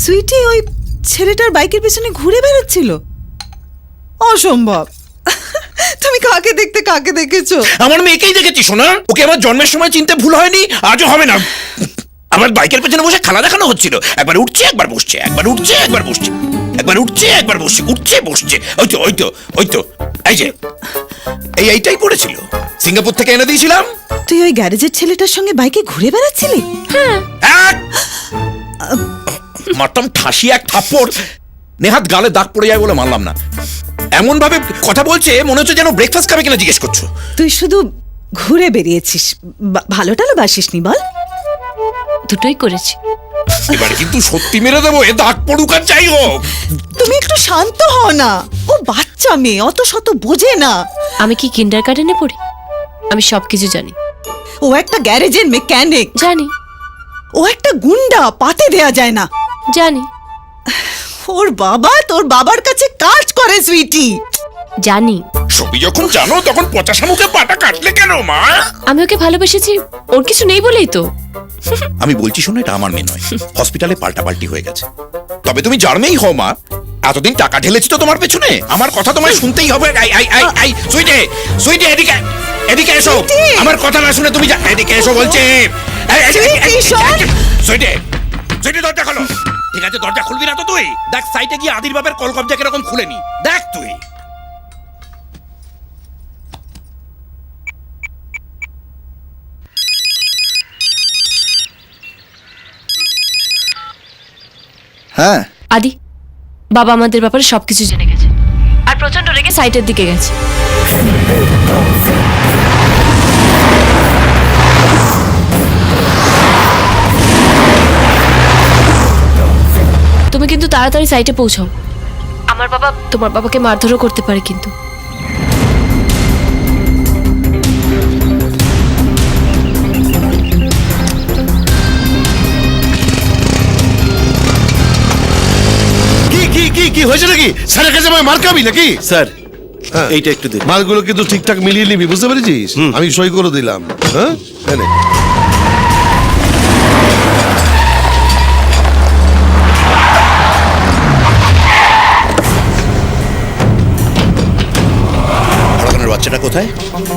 সুইটি ওই ছেলেটার বাইকের পেছনে ঘুরে বেড়াচ্ছিল? অসম্ভব। তুমি কাকে দেখতে কাকে দেখেছো? আমার মেয়েকেই দেখেছি সোনা। ওকে আমার জন্মের সময় চিনতে ভুল হয়নি, আজও হবে না। আমার বাইকের পেছনে বসে খেলা দেখানো হচ্ছিল। একবার উঠছে একবার বসছে, একবার উঠছে একবার বসছে, একবার উঠছে একবার বসছে, উঠছে বসছে। ওই তো ওই তো ওই তো এই যে এইটাই পড়েছিল, সিঙ্গাপুর থেকে এনে দিয়েছিলাম। তুই ওই গ্যারেজের ছেলেটার সঙ্গে বাইকে ঘুরে বেড়াচ্ছিলি? মারতাম ঠাসি এক থাপ্পড়, নেহাত গালে দাগ পড়ে যায় বলে মানলাম না। এমন ভাবে কথা বলছে মনে হচ্ছে যেন ব্রেকফাস্ট খাবে কিনা জিজ্ঞেস করছো। তুই শুধু ঘুরে বেরিয়েছিস, ভালো টালো বাসিসনি বল? দুটোই করেছি। এবার কিন্তু সত্যি মেরে দেবো, এ দাগ পড়ুক আর যাই হোক। তুমি একটু শান্ত হও না, ও বাচ্চা মেয়ে, অত শত বোঝে না। আমি কি কিন্ডারগার্টেনে পড়ি? আমি সবকিছু জানি। ও একটা গ্যারেজের মেকানিক। জানি। ও একটা গুন্ডা, পাতে দেয়া যায় না। জানি। ওর বাবা তোর বাবার কাছে কাজ করে সুইটি। জানি। সবই যখন জানো তখন পচাশা মুখে পাটা কাটলে কেন মা? আমি ওকে ভালোবেসেছি, ওর কিছু নেই বলেই তো। আমি বলছি শোনো, এটা আমার মেয়ে নয়, হসপিটালে পাল্টাপাল্টি হয়ে গেছে। তবে তুমি যার মেয়েই হও মা, এতদিন টাকা ঢেলেছি তো তোমার পেছনে, আমার কথা তোমায় শুনতেই হবে। সুইটে সুইটে এদিকে এদিকে এসো। আমার কথা না শুনে তুমি এদিকে এসো বলছি। সুইটে সুইটে দরজা খোলো। ঠিক আছে, দরজা খুলবি না তো তুই? দেখ সাইটে গিয়ে আদির বাপের কল কবজা কিরকম খুলে নি, দেখ তুই। হ্যাঁ আদি, বাবা আমাদের ব্যাপারে সবকিছু জেনে গেছে আর প্রচন্ড রেগে সাইটের দিকে গেছে। তুমি কিন্তু তাড়াতাড়ি সাইটে পৌঁছাও। আমার বাবা তোমার বাবাকে মারধরও করতে পারে কিন্তু। কি হয়েছে নাকি? স্যারের কাছে মার খাবি নাকি? স্যার, হ্যাঁ, এইটা একটু দিন। মালগুলো কিন্তু ঠিকঠাক মিলিয়ে নিবি, বুঝতে পেরেছিস? আমি সই করে দিলাম। হ্যাঁ, এই নে। হরগনের বাচ্চাটা কোথায়?